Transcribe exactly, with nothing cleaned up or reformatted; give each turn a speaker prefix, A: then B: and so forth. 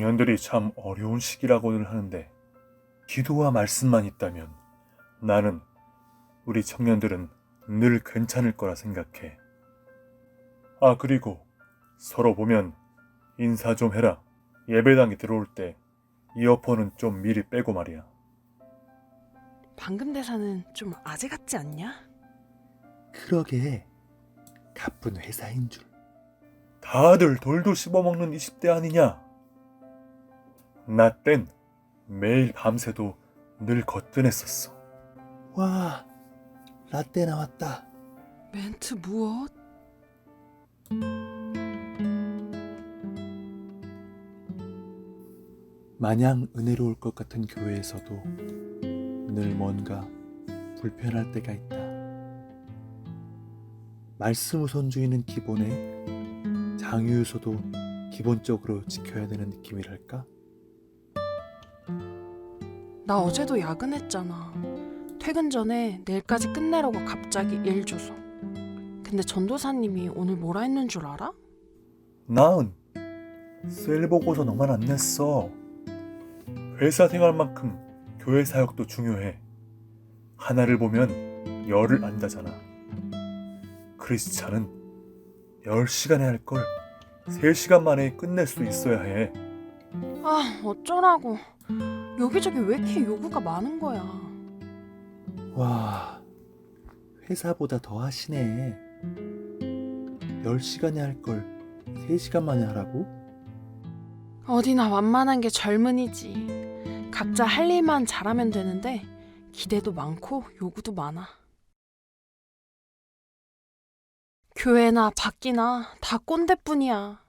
A: 청년들이 참 어려운 시기라고는 하는데 기도와 말씀만 있다면 나는 우리 청년들은 늘 괜찮을 거라 생각해. 아, 그리고 서로 보면 인사 좀 해라. 예배당에 들어올 때 이어폰은 좀 미리 빼고 말이야.
B: 방금 대사는 좀 아재 같지 않냐?
C: 그러게, 가쁜 회사인 줄.
A: 다들 돌도 씹어먹는 이십 대 아니냐? 나 땐 매일 밤새도 늘 거뜬했었어.
C: 와, 라떼 나왔다.
B: 멘트 무엇?
C: 마냥 은혜로울 것 같은 교회에서도 늘 뭔가 불편할 때가 있다. 말씀 우선주의는 기본에 장유유서도 기본적으로 지켜야 되는 느낌이랄까?
B: 나 어제도 야근했잖아. 퇴근 전에 내일까지 끝내라고 갑자기 일 줘서. 근데 전도사님이 오늘 뭐라 했는 줄 알아?
A: 나은 셀 보고서 너만 안 냈어. 회사 생활만큼 교회 사역도 중요해. 하나를 보면 열을 안다잖아. 크리스찬은 열 시간에 할 걸 세 시간 만에 끝낼 수 있어야 해.
B: 아, 어쩌라고. 여기저기 왜 이렇게 요구가 많은 거야.
C: 와, 회사보다 더 하시네. 열 시간에 할 걸 세 시간 만에 하라고?
B: 어디나 완만한 게 젊은이지. 각자 할 일만 잘하면 되는데 기대도 많고 요구도 많아. 교회나 밖이나 다 꼰대뿐이야.